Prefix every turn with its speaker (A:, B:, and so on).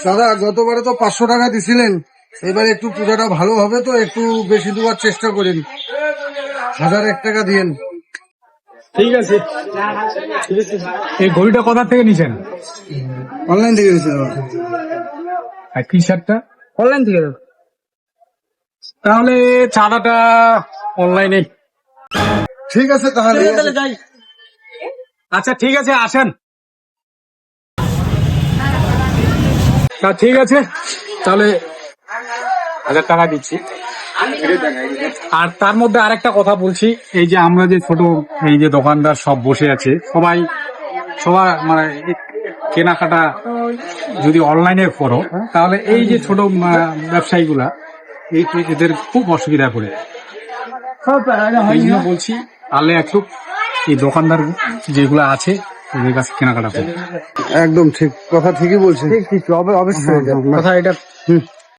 A: দাদা গতবারে তো 500 টাকা দিছিলেন, এবারে একটু পূজাটা ভালো হবে তো একটু বেশি দেওয়ার চেষ্টা করেন, 1001 টাকা দিয়েন।
B: ঠিক আছে। এই ঘড়িটা কোথা থেকে নিছেন?
A: অনলাইন থেকে দিয়েছি দাদা।
B: আর টি শার্টটা?
A: অনলাইন থেকে দাদা।
B: তাহলে চাঁদাটা অনলাইনে।
A: ঠিক আছে তাহলে
B: যাই। আচ্ছা ঠিক আছে, আসেন। তা ঠিক আছে, তাহলে 1000 টাকা দিচ্ছি। আর তার মধ্যে আরেকটা কথা বলছি, এই যে আমরা যে ছোট এই যে দোকানদার সব বসে আছে, সবাই মানে কেনাকাটা যদি অনলাইনে করো তাহলে এই যে ছোট ব্যবসায়ীগুলা এদের খুব অসুবিধা করে। এই জন্য বলছি আলে একটু এই দোকানদার যেগুলো আছে ওদের কাছে কেনাকাটা করো।
A: একদম ঠিক কথা, ঠিকই বলছেন। ঠিক অবশ্যই
B: কথা এটা